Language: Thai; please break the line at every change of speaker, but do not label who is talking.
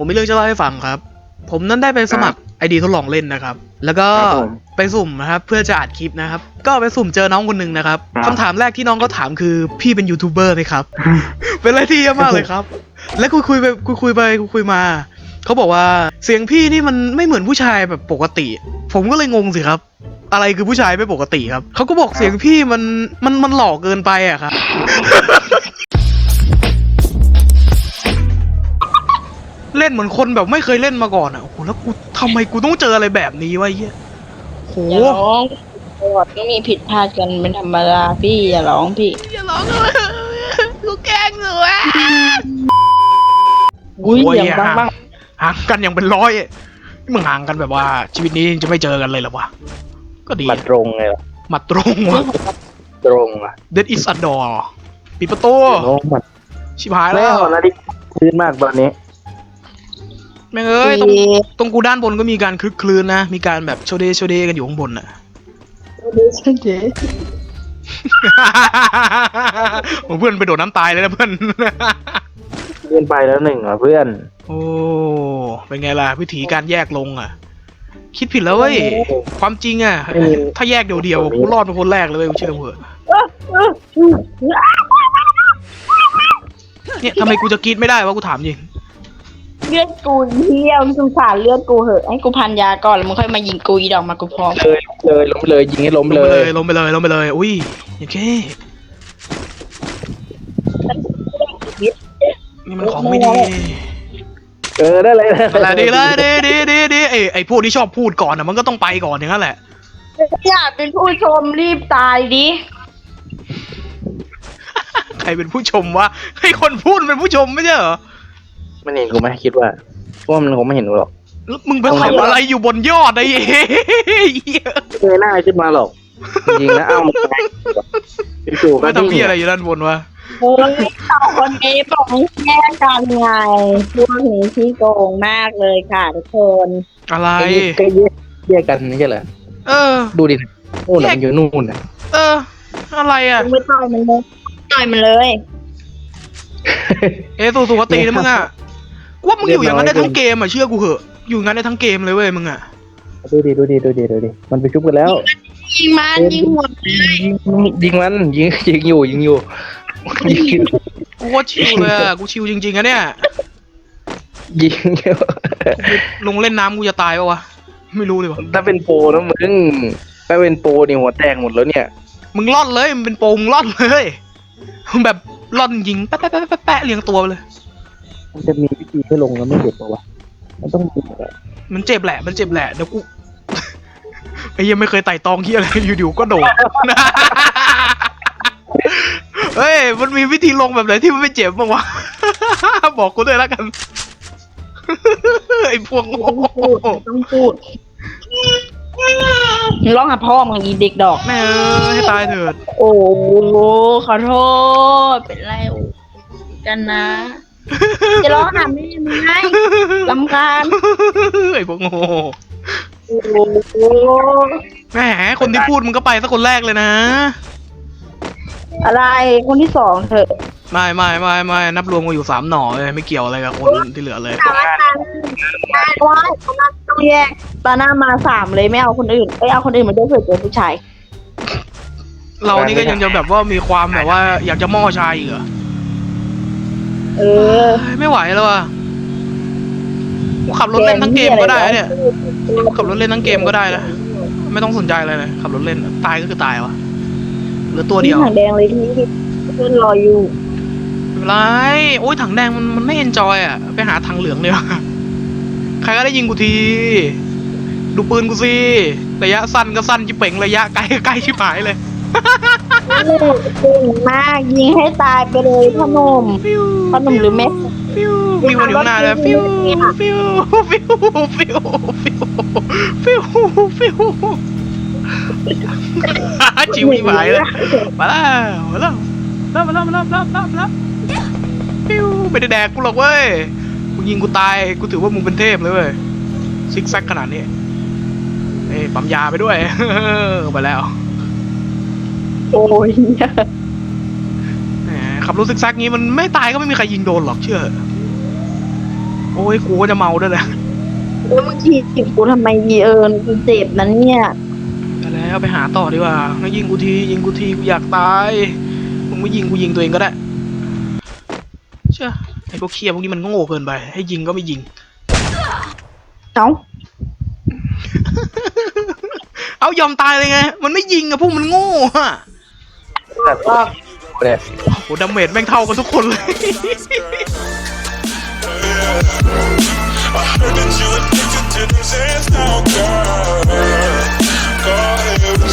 ผมมีเรื่องจะเล่าให้ฟังครับผมนั้นได้ไปสมัครไอดีทดลองเล่นนะครับแล้วก็ไปสุ่มนะครับเพื่อจะอัดคลิปนะครับก็ไปสุ่มเจอน้องคนหนึ่งนะครับคำถามแรกที่น้องก็ถามคือพี่เป็นยูทูบเบอร์ไหมครับ เป็นอะไรที่เยอะมากเลยครับแล้วคุยมาเขาบอกว่าเสียงพี่นี่มันไม่เหมือนผู้ชายแบบปกติผมก็เลยงงสิครับอะไรคือผู้ชายไม่ปกติครับเขาก็บอกเสียงพี่มันหล่อเกินไปอะครับ เล่นเหมือนคนแบบไม่เคยเล่นมาก่อนอ่ะโอ้โหแล้วกูทำไมกูต้องเจออะไรแบบนี้วะเฮียโห
อย่าร้องประวัติก็มีผิดพลาดกันเป็นธรรมดาพี่อย่าร้องพี่
อย่าร้องเลยกูแกล้งหนูอ่ะ
อุ้ยอย่างบ้าง
ห่างกันอย่างเป็นร้อยมึงห่างกันแบบว่าชีวิตนี้จะไม่เจอกันเลยเหรอวะก็ดี
มาตรงไงล่ะ
มาตรงวะ
ตรงอ่ะ
Dead is a door ปิดประตู
โน้มัด
ชิบหาย
แล้
แล้ว
วนาฬิกาพื้นมากตอนนี้
แม่งเอ้ยตรงกูด้านบนก็มีการคลึกคลืนนะมีการแบบโชเดกันอยู่ข้างบนอ่ะ
เจ๊
โอ้เพื่อนไปโดดน้ำตายเลยนะเพื่อน
เลื่อนไปแล้วหนึ่งอ่ะเพื่อน
โอ้เป็นไงล่ะวิธีการแยกลงอ่ะ คิดผิดแล้วเว้ยความจริงอ่ะถ้าแยกเดียวๆกูรอดเป็นคนแรกเลยเว้ยกูเชื่อเถอะเนี่ยทำไมกูจะกรีดไม่ได้วะกูถามจริง
เลือดกูเที่ยวสงสารเลือดกูเหอะให้กูพันยาก่อนแล้วมึงค่อยมายิงกูอีดอกมากูพร้อม
เลยล้มไปเลยยิงให้ล้ม
ลง
เล
ไป
ย
เลยลงไปเลยลงไปเลยอุ้ยโอเคนี่มันของไม่ดี
ได้เลย
อะไรดีเลยดีไอ้พวกที่ชอบพูดก่อนอ่ะมันก็ต้องไปก่อนอย่างนั้นแหละ
อยากเป็นผู้ชมรีบตายดิ
ใครเป็นผู้ชมวะให้คนพูดเป็นผู้ชมไม่ใช่เหรอ
มันเห็นกูไหมคิดว่ามันคงไม่เห็นกูหรอก
แล้วมึงไปทำอะไรอยู่บนยอดไอ้เหี้ย
เงยหน้าขึ้นมาหรอกจริงนะเอ้ามันจู่ๆก็
ไม่ทำเพี้ยอะไรอยู่ด้านบนวะ
โอ้ยสองคนนี้บอกให้แยกกันไงพวกนี้ที่โกงมากเลยค่ะทุกคน
อะไร
ก็แยกกันไม่ใช่เหรอ
เออ
ดูดินู่นมันอยู่นู่นอ่ะ
เออ อะไรอ่ะ
มึงไม่ต่อยมันเลยต่อยมันเลย
สู่สุขตินะมึงอ่ะกูว่ามึงอยู่อย่างนั้นได้ทั้งเกมอ่ะเชื่อกูเหอะอยู่อย่างนั้นได้ทั้งเกมเลยเว้ยมึงอ่ะ
ดูดิมันไปชุบกันแล้ว
ยิงมันยิงหัว
ยิงมันยิงอยู่ยิง
กูว่าชิวเลยอ่ะกูชิวจริงๆอะเนี่ย
ยิงอยู่
ลงเล่นน้ำกูจะตายปะวะไม่รู้เลยวะ
ถ้าเป็นโปรนะมึงถ้าเป็นโปรนี่หัวแตกหมดแล้วเนี่ย
มึงล่อนเลยมึงเป็นโปงล่อนเลยมึงแบบล่อนยิงแปะเรียงตัวไปเลย
มันจะมีวิธีให้ลงแล้วไม่เจ็บปะวะมันต้องมีอะ
มันเจ็บแหละเดี๋ยวกู ไอ้ยังไม่เคยไต่ตองที่อะไรอยู่ๆก็โดด เฮ้ยมันมีวิธีลงแบบไหนที่มันไม่เจ็บบ้างวะ บอกกูด้วยแล้วกัน ไอ้พวกโง่
ต้องพูดร้องหาพ่อมึงอีเด็กดอก
แม่ให้ตายเถิด
โอ้ขอโทษเป็นไรกันนะ จะร้องหาแม่มึงไงลำคาญ
ไอ้พวกโง่
โอ้โห
แหมคนที่พูดมึงก็ไปสักคนแรกเลยนะ
อะไรคนที่สองเถอะ
ไม่นับรวมกันอยู่3 หน่อเลยไม่เกี่ยวอะไรกับคนที่เหลือเลย
ว่าต้องแยกตาหน้ามา3เลยไม่เอาคนอื่นไม่เอาคนอื่นมาด้วยเผื่อเจอผู้ชาย
เรานี่ก็ยังจะแบบว่ามีความแบบว่าอยากจะม่อชายอีกเหรอ
เออ
ไม่ไหวแล้วอ่ะกูขับรถเล่นทั้งเกมก็ได้นะเนี่ยขับรถเล่นทั้งเกมก็ได้นะไม่ต้องสนใจอะไรเลยขับรถเล่นตายก็คือตายวะเหลือตัวเดียว
ถังแดงเลยที่เพื่อนรออยู่
ไม่เป็นไรโอ้ยถังแดงมันไม่เอนจอยอ่ะไปหาถังเหลืองเลยใครก็ได้ยิงกูทีดูปืนกูสิระยะสั้นก็สั้นจิ๋เป่งระยะไกลก็ไกลชิบหายเลย
เก่งมากยิงให้ตายไปเลยพ่อหนุ่ม
ฟิว
พ่อหนุ่มหรือแม่
ฟิวมีคนอยู่ข้างหน้าเลยฟิวฟิวฟิวฟิวฟิวฟิวฟิวจิ๋วชิบหายเลยมาแล้วฟิวไม่ได้แดกกูหรอกเว้ยมึงยิงกูตายกูถือว่ามึงเป็นเทพเลยเว้ยซิกแซกขนาดนี้เอ้ยปั๊มยาไปด้วย ไปแล้ว
โอ้ย
แหมขับรถซิกแซกงี้มันไม่ตายก็ไม่มีใครยิงโดนหรอกเชื่อโอ้ยกูก็จะเมาด้วยแหละ
แล้วมึงถีบกูทำไมดีกูเจ็บนั้นเนี่ย
ไปแล้วไปหาต่อดีกว่าไม่ยิงกูทียิงกูทีกูอยากตายมึงไม่ยิงกูยิงตัวเองก็ได้เชื่อไอ้พวกเคียพวกนี้มันโง่เกินไปให้ยิงก็ไม่ยิง
เอ้า
เอายอมตายเลยไงมันไม่ยิงอะพวกมันโง่อะ
แต่ก็เนี่ย
โหดาเมจแม่งเท่ากันทุกคนเลย
I heard that you addicted to them sands now, girl. Go ahead with